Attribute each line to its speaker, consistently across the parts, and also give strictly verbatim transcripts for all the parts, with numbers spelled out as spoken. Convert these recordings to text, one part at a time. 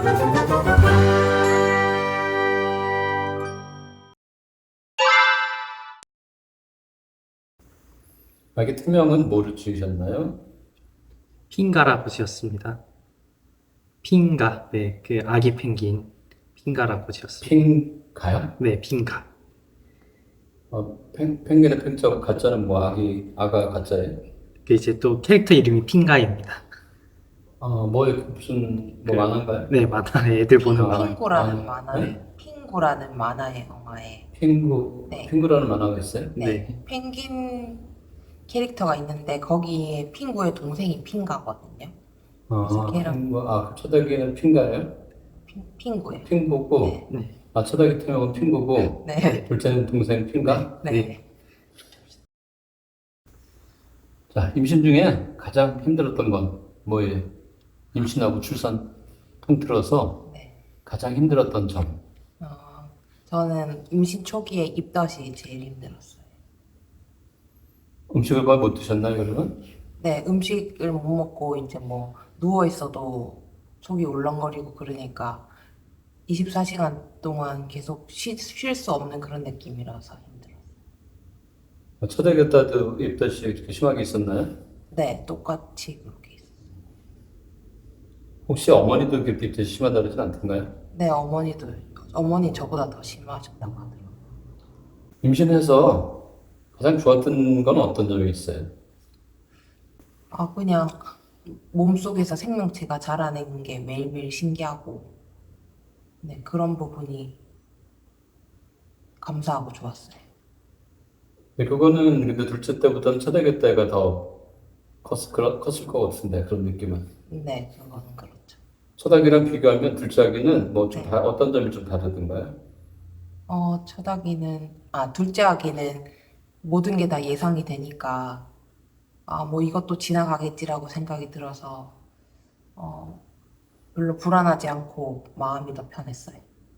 Speaker 1: 아기 팀명은 뭐를 지으셨나요?
Speaker 2: 핑가라고 지었습니다. 핑가, 네, 그 아기 펭귄 핑가라고 지었습니다.
Speaker 1: 핑가요?
Speaker 2: 네, 핑가.
Speaker 1: 어, 펭, 펭귄의 펭자고 가짜는 뭐 아기, 아가 가짜예요?
Speaker 2: 그 이제 또 캐릭터 이름이 핑가입니다.
Speaker 1: 어, 뭐 무슨 뭐
Speaker 2: 그,
Speaker 1: 만화인가요?
Speaker 2: 네, 만화에 애들 보는
Speaker 1: 아,
Speaker 2: 만화.
Speaker 3: 핑구라는
Speaker 1: 만화.
Speaker 3: 만화,
Speaker 1: 네?
Speaker 3: 핑구라는 만화의 영화에
Speaker 1: 핑구,
Speaker 3: 네,
Speaker 1: 핑구라는 만화가 있어요?
Speaker 3: 네,
Speaker 2: 네.
Speaker 3: 펭귄 캐릭터가 있는데 거기에 핑구의 동생이 핑가거든요. 그래서
Speaker 1: 아,
Speaker 3: 걔랑
Speaker 1: 핑구, 아, 그 초대기는 핑가예요?
Speaker 3: 핑, 핑구예요.
Speaker 1: 핑구고,
Speaker 3: 네,
Speaker 2: 네.
Speaker 1: 아, 초대기 팀명은 핑구고,
Speaker 3: 네,
Speaker 1: 둘째는 동생 핑가?
Speaker 3: 네.
Speaker 2: 네.
Speaker 1: 자, 임신 중에 가장 힘들었던 건 뭐예요? 임신하고 출산 통틀어서
Speaker 3: 네.
Speaker 1: 가장 힘들었던 점.
Speaker 3: 어, 저는 임신 초기에 입덧이 제일 힘들었어요.
Speaker 1: 음식을 거의 못 드셨나요, 그러면?
Speaker 3: 네, 음식을 못 먹고 이제 뭐 누워 있어도 속이 울렁거리고 그러니까 이십사 시간 동안 계속 쉴 수 없는 그런 느낌이라서 힘들어요.
Speaker 1: 초대기 때도 입덧이 이렇게 심하게 있었나요?
Speaker 3: 네, 똑같이 그렇게 있어요.
Speaker 1: 혹시 어머니도 그렇게 입덧이 심하다 그러진 않던가요?
Speaker 3: 네, 어머니도, 어머니 저보다 더 심하셨다고 하더라고요.
Speaker 1: 임신해서 가장 좋았던 건 어떤 점이 있어요?
Speaker 3: 아, 그냥 몸속에서 생명체가 자라는 게 매일매일 신기하고, 네, 그런 부분이 감사하고 좋았어요.
Speaker 1: 근데 그거는 근데 둘째 때보다는 초대기 때가 더 컸, 그러- 컸을 것 같은데, 그런 느낌은.
Speaker 3: 네, 그거는 그렇죠.
Speaker 1: 초다기랑 비교하면 둘째 아기는 뭐 좀
Speaker 3: 네.
Speaker 1: 어떤 점이 좀 다르던가요?
Speaker 3: 어, 첫 아기는, 아, 둘째 아기는 모든 게 다 예상이 되니까, 아, 뭐 이것도 지나가겠지라고 생각이 들어서, 어, 별로 불안하지 않고 마음이 더 편했어요.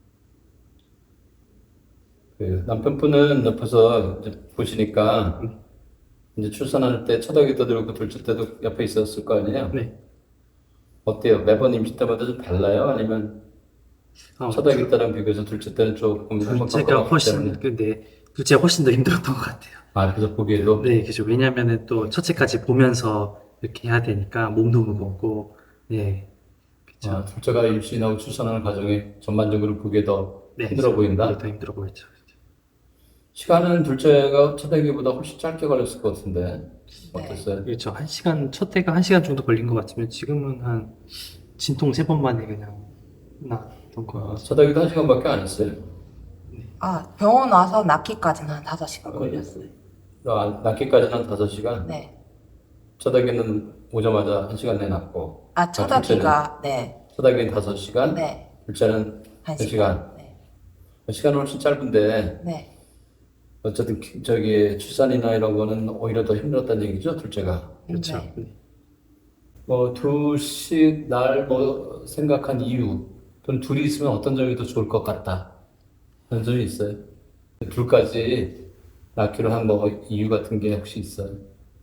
Speaker 1: 그 남편분은 옆에서 이제 보시니까 이제 출산할 때 초다기 때도 그렇고 둘째 때도 옆에 있었을 거 아니에요?
Speaker 2: 네.
Speaker 1: 어때요? 매번 임신 때마다 좀 달라요? 아니면
Speaker 2: 어,
Speaker 1: 초다기 때랑 비교해서 둘째 때는 조금 한번
Speaker 2: 둘째가
Speaker 1: 겪어봤기
Speaker 2: 훨씬,
Speaker 1: 때문에
Speaker 2: 근데 둘째가 훨씬 더 힘들었던 것 같아요.
Speaker 1: 아 그래서 보기에도
Speaker 2: 네, 그죠. 왜냐면은 또 첫째까지 보면서 이렇게 해야 되니까 몸도 무겁고, 네, 그죠.
Speaker 1: 아, 둘째가 임신하고 출산하는 과정이 전반적으로 보기에 더
Speaker 2: 네,
Speaker 1: 힘들어
Speaker 2: 그죠. 이게
Speaker 1: 보인다?
Speaker 2: 더 힘들어 보였죠.
Speaker 1: 시간은 둘째가 초다기보다 훨씬 짧게 걸렸을 것 같은데
Speaker 3: 네.
Speaker 1: 어땠어요?
Speaker 2: 그렇죠. 한 시간, 첫 해가 한 시간 정도 걸린 것 같으면 지금은 한 진통 세 번 만에 그냥 나았던 것
Speaker 1: 아,
Speaker 2: 같아요.
Speaker 1: 초다기도 한 시간밖에 안 했어요.
Speaker 3: 아, 병원 와서 낳기까지는 한 다섯 시간 걸렸어요.
Speaker 1: 아, 낳기까지는 한 다섯 시간?
Speaker 3: 네.
Speaker 1: 초다기는 오자마자 한 시간 내에 낳고
Speaker 3: 아, 첫
Speaker 1: 둘째는
Speaker 3: 아기가, 네,
Speaker 1: 초다기는 다섯 시간,
Speaker 3: 네,
Speaker 1: 둘째는
Speaker 3: 한
Speaker 1: 한
Speaker 3: 시간.
Speaker 1: 시간.
Speaker 3: 네,
Speaker 1: 시간은 훨씬 짧은데
Speaker 3: 네,
Speaker 1: 어쨌든 기- 저기 출산이나 이런 거는 오히려 더 힘들었다는 얘기죠, 둘째가.
Speaker 2: 그렇죠.
Speaker 3: 네.
Speaker 2: 네.
Speaker 1: 뭐 둘씩 날 뭐 생각한 이유 또는 둘이 있으면 어떤 점이 더 좋을 것 같다 그런 점이 있어요. 둘까지 낳기로 한 뭐 이유 같은 게 혹시 있어요?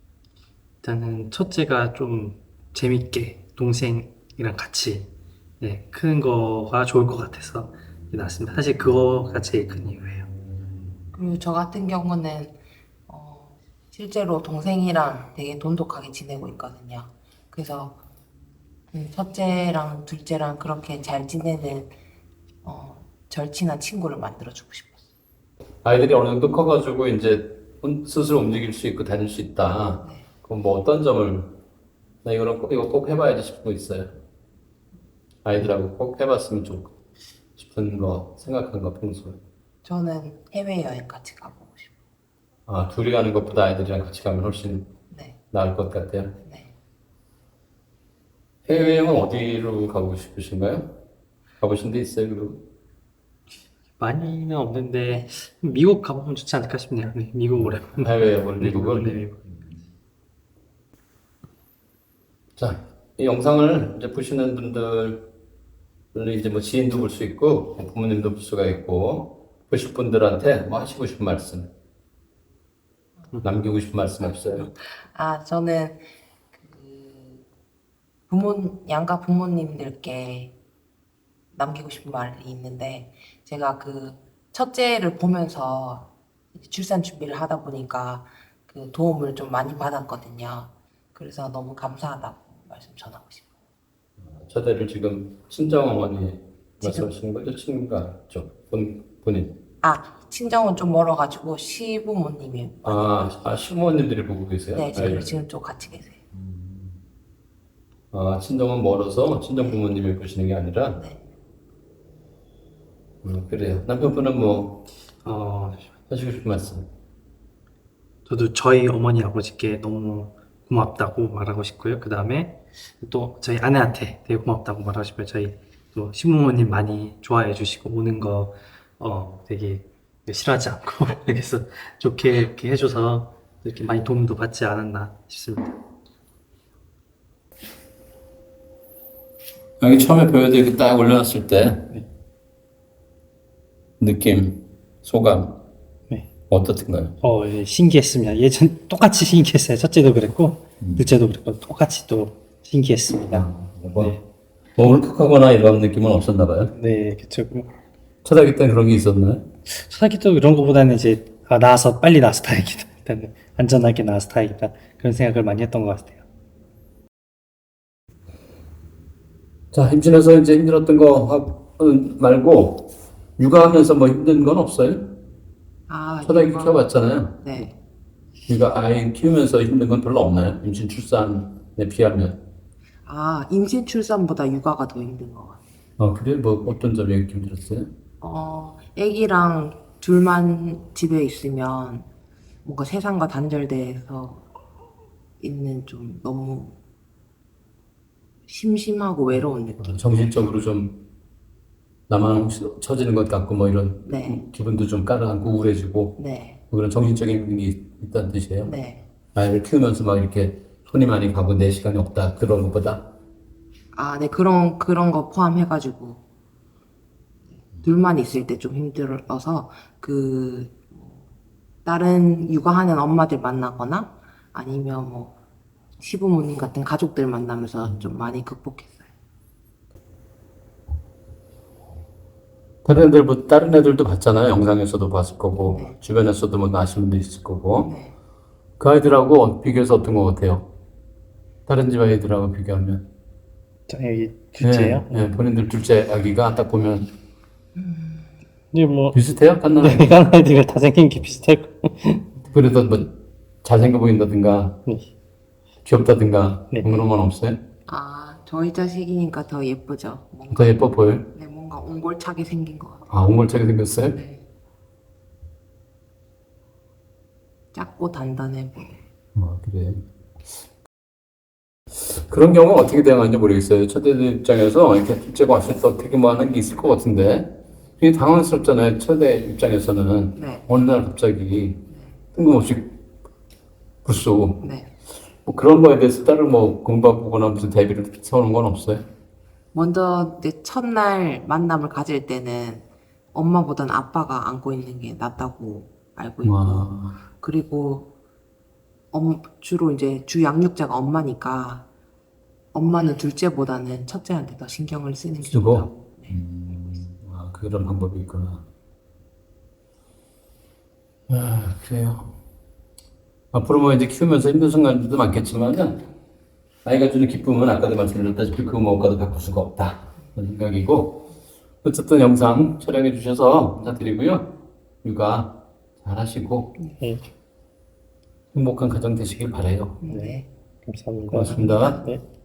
Speaker 2: 일단은 첫째가 좀 재밌게 동생이랑 같이 네, 크는 거가 좋을 것 같아서 났습니다. 사실 그거가 제일 큰 이유예요.
Speaker 3: 그리고 저 같은 경우는, 어, 실제로 동생이랑 되게 돈독하게 지내고 있거든요. 그래서, 음, 첫째랑 둘째랑 그렇게 잘 지내는, 어, 절친한 친구를 만들어주고 싶었어요.
Speaker 1: 아이들이 어느 정도 커가지고 이제 혼- 스스로 움직일 수 있고 다닐 수 있다.
Speaker 3: 네.
Speaker 1: 그럼 뭐 어떤 점을 나 이거는 꼭, 이거 꼭 해봐야지 싶은 거 있어요? 아이들하고 꼭 해봤으면 좋 싶은 거 생각한 거 평소에.
Speaker 3: 저는 해외여행 같이 가보고 싶어요.
Speaker 1: 아, 둘이 가는 것보다 아이들이랑 같이 가면 훨씬
Speaker 3: 네,
Speaker 1: 나을 것 같아요.
Speaker 3: 네.
Speaker 1: 해외여행은 어디로 가고 싶으신가요? 가보신 데 있어요, 그리고?
Speaker 2: 많이는 없는데
Speaker 3: 네.
Speaker 2: 미국 가보면 좋지 않을까 싶네요. 네, 미국 오랜만에.
Speaker 1: 해외여행을
Speaker 2: 네,
Speaker 1: 미국을?
Speaker 2: 네, 미국.
Speaker 1: 자, 이 영상을 이제 보시는 분들, 이제 뭐 지인도 볼 수 있고, 뭐 부모님도 볼 수가 있고, 보실 분들한테 뭐 하시고 싶은 말씀, 남기고 싶은 말씀 없어요?
Speaker 3: 아, 저는 그 부모, 양가 부모님들께 남기고 싶은 말이 있는데 제가 그 첫째를 보면서 이제 출산 준비를 하다 보니까 그 도움을 좀 많이 받았거든요. 그래서 너무 감사하다고 말씀 전하고 싶어요.
Speaker 1: 첫애를 지금 친정어머니
Speaker 3: 지금-
Speaker 1: 말씀하시는 거죠? 친가 쪽 본, 본인.
Speaker 3: 아, 친정은 좀 멀어가지고 시부모님이
Speaker 1: 아, 아 시부모님들이 보고 계세요?
Speaker 3: 네, 저희
Speaker 1: 아이를.
Speaker 3: 지금 좀 같이 계세요.
Speaker 1: 아, 친정은 멀어서 친정 부모님이 보시는 게 아니라.
Speaker 3: 네.
Speaker 1: 음, 그래요. 남편분은 뭐
Speaker 2: 어,
Speaker 1: 하시고 싶은 말씀?
Speaker 2: 저도 저희 어머니 아버지께 너무 고맙다고 말하고 싶고요. 그 다음에 또 저희 아내한테 되게 고맙다고 말하고 싶어요. 저희 또 시부모님 많이 좋아해 주시고 오는 거 어, 되게 싫어하지 않고 그래서 좋게 이렇게 해줘서 이렇게 많이 도움도 받지 않았나 싶습니다.
Speaker 1: 여기 처음에 배우들 이렇게 딱 올려놨을 때 느낌, 소감
Speaker 2: 네.
Speaker 1: 어떻던가요?
Speaker 2: 어, 예, 신기했습니다. 예전 똑같이 신기했어요. 첫째도 그랬고 둘째도 그랬고 똑같이 또 신기했습니다.
Speaker 1: 뭐,
Speaker 2: 네.
Speaker 1: 뭐 울컥하거나 이런 느낌은 없었나 봐요.
Speaker 2: 네, 그쵸.
Speaker 1: 초등학교 때는 그런 게 있었나요?
Speaker 2: 초등학교 때 이런 거보다는 이제 아, 나와서 빨리 나와서 다행이다. 일단은 안전하게 나와서 다행이다. 그런 생각을 많이 했던 것 같아요.
Speaker 1: 자, 임신해서 이제 힘들었던 거 하- 말고 육아하면서 뭐 힘든 건 없어요?
Speaker 3: 아,
Speaker 1: 초등학교
Speaker 3: 육아-
Speaker 1: 키워봤잖아요.
Speaker 3: 네.
Speaker 1: 그러니까 아이 키우면서 힘든 건 별로 없나요? 임신 출산에 비하면.
Speaker 3: 아, 임신 출산보다 육아가 더 힘든 것 같아요.
Speaker 1: 아, 그래? 뭐 어떤 점이 이렇게 힘들었어요?
Speaker 3: 어, 애기랑 둘만 집에 있으면 뭔가 세상과 단절돼서 있는 좀 너무 심심하고 외로운 느낌.
Speaker 1: 정신적으로 좀 나만 혹시 처지는 것 같고 뭐 이런
Speaker 3: 네.
Speaker 1: 기분도 좀 가라앉고 우울해지고
Speaker 3: 네,
Speaker 1: 뭐 그런 정신적인 게 있다는 뜻이에요.
Speaker 3: 네.
Speaker 1: 아이를 키우면서 막 이렇게 손이 많이 가고 내 시간이 없다 그런 것보다.
Speaker 3: 아, 네, 그런, 그런 거 포함해가지고 둘만 있을 때 좀 힘들어서 그 다른 육아하는 엄마들 만나거나 아니면 뭐 시부모님 같은 가족들 만나면서 좀 많이 극복했어요.
Speaker 1: 다른 애들, 뭐 다른 애들도 봤잖아요. 영상에서도 봤을 거고 주변에서도 뭐 아시는 분도 있을 거고.
Speaker 3: 네.
Speaker 1: 그 아이들하고 비교해서 어떤 것 같아요? 다른 집 아이들하고 비교하면.
Speaker 2: 자, 여기 둘째요.
Speaker 1: 네, 네, 본인들 둘째 아기가 딱 보면
Speaker 2: 근데 뭐
Speaker 1: 비슷해요? 갓난 아이.
Speaker 2: 내가 아이들과 다 생긴 게 비슷할 거.
Speaker 1: 그래도 뭐 잘생겨 보인다든가
Speaker 2: 네.
Speaker 1: 귀엽다든가
Speaker 2: 네.
Speaker 1: 그런 건 없어요?
Speaker 3: 아, 저희 자식이니까 더 예쁘죠. 뭔가,
Speaker 1: 더 예뻐 보여요?
Speaker 3: 네, 뭔가 옹골차게 생긴 것 같아요.
Speaker 1: 아, 옹골차게 생겼어요?
Speaker 3: 네. 작고 단단해 보여요.
Speaker 1: 아, 그래. 그런 경우는 어떻게 대응하는지 모르겠어요. 첫째 입장에서 이렇게 둘째가 왔을 때 어떻게 뭐 하는 게 있을 것 같은데 그게 당황스럽잖아요. 첫째 입장에서는
Speaker 3: 네.
Speaker 1: 어느 날 갑자기 뜬금없이 불쏘
Speaker 3: 네.
Speaker 1: 뭐 그런 거에 대해서 따로 뭐 공부하거나 무슨 대비를 세우는 건 없어요?
Speaker 3: 먼저 이제 첫날 만남을 가질 때는 엄마보단 아빠가 안고 있는 게 낫다고 알고 있고
Speaker 1: 와.
Speaker 3: 그리고 엄, 주로 이제 주 양육자가 엄마니까 엄마는 둘째보다는 첫째한테 더 신경을 쓰는 게
Speaker 1: 쓰고?
Speaker 3: 좋다고. 네.
Speaker 1: 아, 그런 방법이 있구나. 아, 그래요. 앞으로 뭐 이제 키우면서 힘든 순간들도 많겠지만은, 아이가 주는 기쁨은 아까도 말씀드렸다시피 그 무엇과도 바꿀 수가 없다. 그런 생각이고, 어쨌든 영상 촬영해 주셔서 감사드리고요. 육아 잘 하시고,
Speaker 2: 네.
Speaker 1: 행복한 가정 되시길 바라요.
Speaker 3: 네.
Speaker 2: 감사합니다.
Speaker 1: 고맙습니다.
Speaker 2: 네.